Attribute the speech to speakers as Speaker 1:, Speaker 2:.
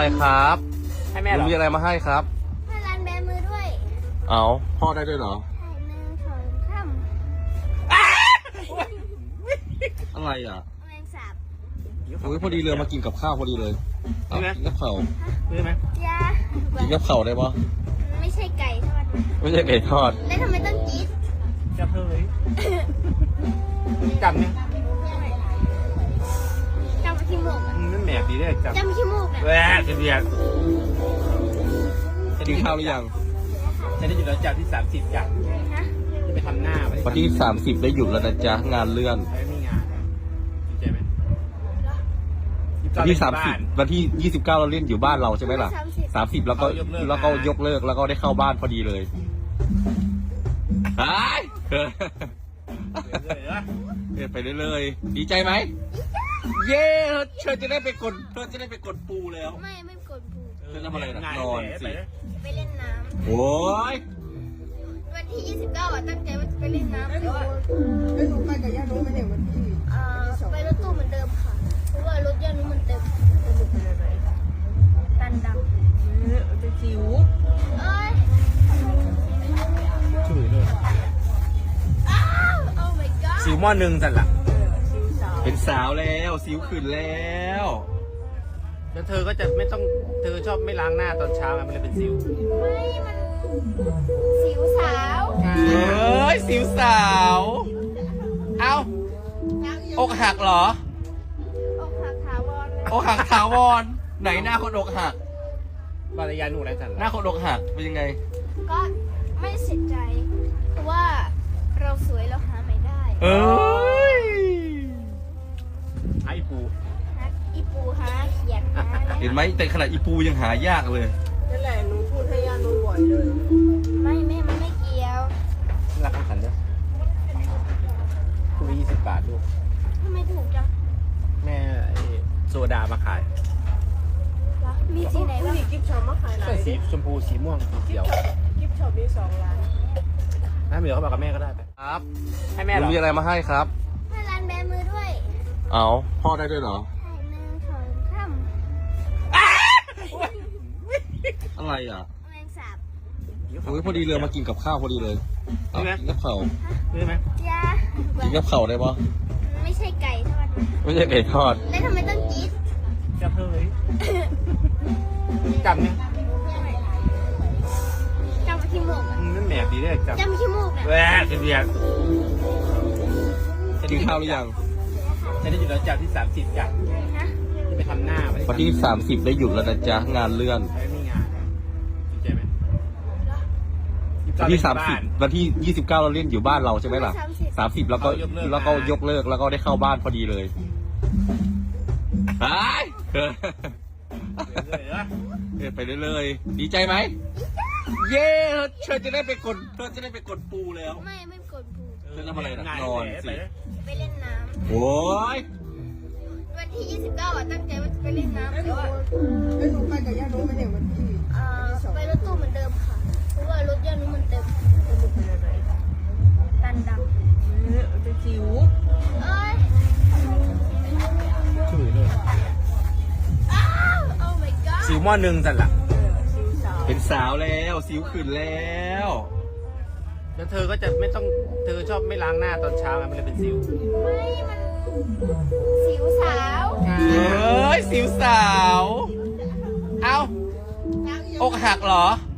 Speaker 1: ครับ
Speaker 2: ให้แม่เหรอ
Speaker 1: มีอะไรมาให้ครับ
Speaker 3: ให้ร้านแบมือด้วย
Speaker 1: เอาพ่อได้ด้วยเหรอ
Speaker 3: ถ่ายหนึ่งสองสาม
Speaker 1: อะไรอ่ะ
Speaker 3: แมงสาบ
Speaker 1: อุ้ยพอดีเลยมากินกับข้าวพอดีเลยเอากินกับข้าว
Speaker 2: ซื้อไหม
Speaker 3: ยา
Speaker 1: กินกับข้าวได้ปะ
Speaker 3: ไม่ใช่ไก่ทอดนะ
Speaker 1: ไม่ใช่ไก่ทอด
Speaker 3: แล้วทำไมต้องจี๊ด
Speaker 2: จับเธอเลยจำเนี่ย
Speaker 3: จำขี้มูกอะ
Speaker 2: นั่นแหนบดีเลยจำ
Speaker 3: จำขี้มูกอะ
Speaker 2: แหวะเดียด
Speaker 1: กินข้าวหรือยัง
Speaker 2: ฉันได้อยู่แล้วจับที่30จับ
Speaker 3: ฮะ
Speaker 2: จะไปทำหน้า
Speaker 1: วันที่30ได้หยุดแล้วนะจ๊ะงานเลื่อน
Speaker 2: ไม่มีงานดีใจไหม
Speaker 1: วันที่30วันที่29เราเล่นอยู่บ้านเราใช่ไหมล่ะ30แล้วก็ยกเลิกแล้วก็ได้เข้าบ้านพอดีเลยไปไปเรื่อยๆดีใจไหมเย้เธอจะได้ไปกดปูแล้ว
Speaker 3: ไม่กดปู
Speaker 1: เธอทำอะไรนะนอนสิ
Speaker 3: ไปเล่นน้
Speaker 1: โอ้ย
Speaker 3: ำวันที่29อ่ะตั้งใจว่าจะไปเล่นน้ำแต่ว่า
Speaker 4: แล้วหนูไปกับย่านุ้ยไหมเนี่ยวันที่
Speaker 3: ไปรถตู้เหมือนเดิมค่ะเพราะว่ารถย่านุ้มันเต็มตันดำ
Speaker 4: เป็นจิ๋ว
Speaker 3: เอ้ย
Speaker 2: ช่วยด้วย
Speaker 3: อ้าวโอ้ my god
Speaker 2: สิวหม้อหนึ่งสั่นละ
Speaker 4: จิ๋วสาว
Speaker 1: เป็นสาวแล้วสิวขึ้นแล้ว
Speaker 2: แล้วเธอก็จะไม่ต้องเธอชอบไม่ล้างหน้าตอนเช้าไงมันเลยเป็นสิว
Speaker 3: ไม่มันสิวสาว
Speaker 1: เอ้ยสิวสาวเอ้าอกหักเหรอ
Speaker 3: อกหักถาวรนะ
Speaker 1: อกหักถาวรไหนหน้าคนอกหัก
Speaker 2: บารยาหนูอะไรสั่น
Speaker 1: หน้า
Speaker 2: ละ
Speaker 1: คนอกหักเป็นยังไง
Speaker 3: ก็ไม่เสียใจ เพราะว่าเราสวยเราหาไม่ได้
Speaker 1: เอ้ย
Speaker 2: ไอ้ปู
Speaker 3: ฮักอีปูหาเขียนหาอะไร
Speaker 1: เห็นไหมแต่ขนาดอีปูยังหายากเลย
Speaker 4: นั่นแหละหนูพูดให้ย่านุ้ยบ่อยเลย
Speaker 3: ไม่แม่มันไม่เกี่ยว
Speaker 2: รักของฉันด้วยคุณ20 บาทลูก
Speaker 3: ทำไมถูกจัง
Speaker 2: แม่ไอ้โซดามาขาย
Speaker 3: วะมีสีไหน
Speaker 4: ผู้
Speaker 3: บ้าง
Speaker 4: หญิงกิฟต์ช็อปมาขายหลา
Speaker 2: เสื้อย สีชมพูสีม่วงสีเขียว
Speaker 4: กิฟต์ช็อปมี2 ร้าน
Speaker 2: ถ้าเหลือเขาบอกกับแม่ก็ได้ไป
Speaker 1: ครับ
Speaker 2: ให้แม่เหรอ
Speaker 1: มีอะไรมาให้ครับ
Speaker 3: ให้ร้านแบมือด้วย
Speaker 1: เอาพ่อได้ด้วยเหรอ
Speaker 3: ถ่ายหนึ่งสองสาม
Speaker 1: อะไรอ่ะ
Speaker 3: แมงสาบ
Speaker 1: อุ้ยพอดีเลยมากินกับข้าวพอดีเลยเอากินกับข้าว
Speaker 2: ซื้อไหม
Speaker 3: ยา
Speaker 1: กินกับข้าวได้ปะ
Speaker 3: ไม่ใช่ไก่ทอดนะ
Speaker 1: ไม่ใช่ไก่ทอด
Speaker 3: แล้วทำไมต้องจี๊ด
Speaker 2: จับเธอเลยจำเนี่ย
Speaker 3: จำขี้มูกอะ
Speaker 2: นั่นแหนบดีเลยจำ
Speaker 3: จำขี้มูกอะ
Speaker 2: แหวะเดียด
Speaker 1: กินข้าวหรือยัง
Speaker 2: ฉันได้อยู่แล้วจับที่30จับ
Speaker 3: ฮะ
Speaker 2: จะไปทำหน้า
Speaker 1: วันที่30ได้หยุดแล้วนะจ๊ะงานเลื่อน
Speaker 2: ไม่มีงานดีใจไหม
Speaker 1: วันที่30วันที่29เราเล่นอยู่บ้านเราใช่ไหมล่ะ30แล้วก็ยกเลิกแล้วก็ได้เข้าบ้านพอดีเลยไปไปเรื่อยๆดีใจไหมเย้เธอจะได้ไปกดปูแล้ว
Speaker 3: ไม่กดปู
Speaker 1: เธอทำอะไรนะนอนสิ
Speaker 3: ไปเล่นน้
Speaker 1: โอ้ย
Speaker 3: ำวันที่29อ่ะตั้งใจว่าจะไปเล่นน้ำแต่ว่า
Speaker 4: แล้วหนูไปกับย่านุ้ยไหมเนี่ยวันที่
Speaker 3: ไปรถตู้เหมือนเดิมค่ะเพราะว่ารถย่านุ้มันเต็มตันดำ
Speaker 4: เป็นจิ๋ว
Speaker 3: เอ้ย
Speaker 2: ช่วยด้วย
Speaker 3: อ้าวโอ้ my god
Speaker 2: สิวหม้อหนึ่งสั่นละ
Speaker 4: จิ๋วสาว
Speaker 1: เป็นสาวแล้วสิวขึ้นแล้ว
Speaker 2: แล้วเธอก็จะไม่ต้องเธอชอบไม่ล้างหน้าตอนเช้าไงมันเลยเป็นสิว
Speaker 3: ไม่มันสิวสาว
Speaker 1: เอ้ยสิวสาวเอ้าอกหักเหรอ